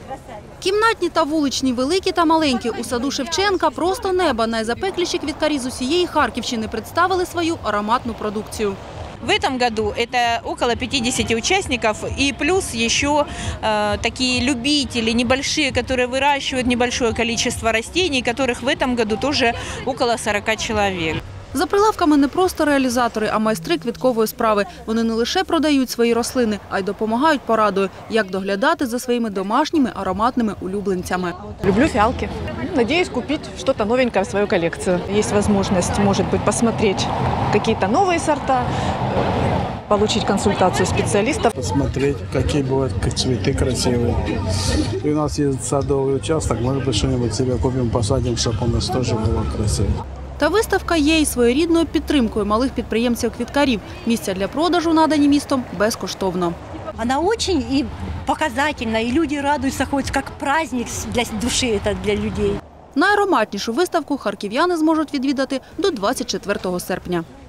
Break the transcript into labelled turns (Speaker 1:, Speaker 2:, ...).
Speaker 1: Кімнатні та вуличні, великі та маленькі. У саду Шевченка просто неба. Найзапекліші квіткарі з усієї Харківщини представили свою ароматну продукцію.
Speaker 2: В этом году это около 50 участников и плюс еще такие любители небольшие, которые выращивают небольшое количество растений, которых в этом году тоже около 40 человек.
Speaker 1: За прилавками не просто реалізатори, а майстри квіткової справи. Вони не лише продають свої рослини, а й допомагають порадою, як доглядати за своїми домашніми ароматними улюбленцями.
Speaker 3: Люблю фиалки. Надеюсь купить что-то новенькое в свою коллекцию. Есть возможность, может быть, посмотреть какие-то новые сорта, получить консультацию специалистов.
Speaker 4: Посмотреть, какие бывают цветы красивые. И у нас есть садовый участок, может быть, что-нибудь себе купим, посадим, чтобы у нас тоже было красиво.
Speaker 1: Та виставка є і своєрідною підтримкою малих підприємців-квіткарів. Місця для продажу надані містом безкоштовно.
Speaker 5: Она очень и показательна, и люди радуются, хоть как праздник для души, это для людей.
Speaker 1: Найароматнішу виставку харків'яни зможуть відвідати до 24 серпня.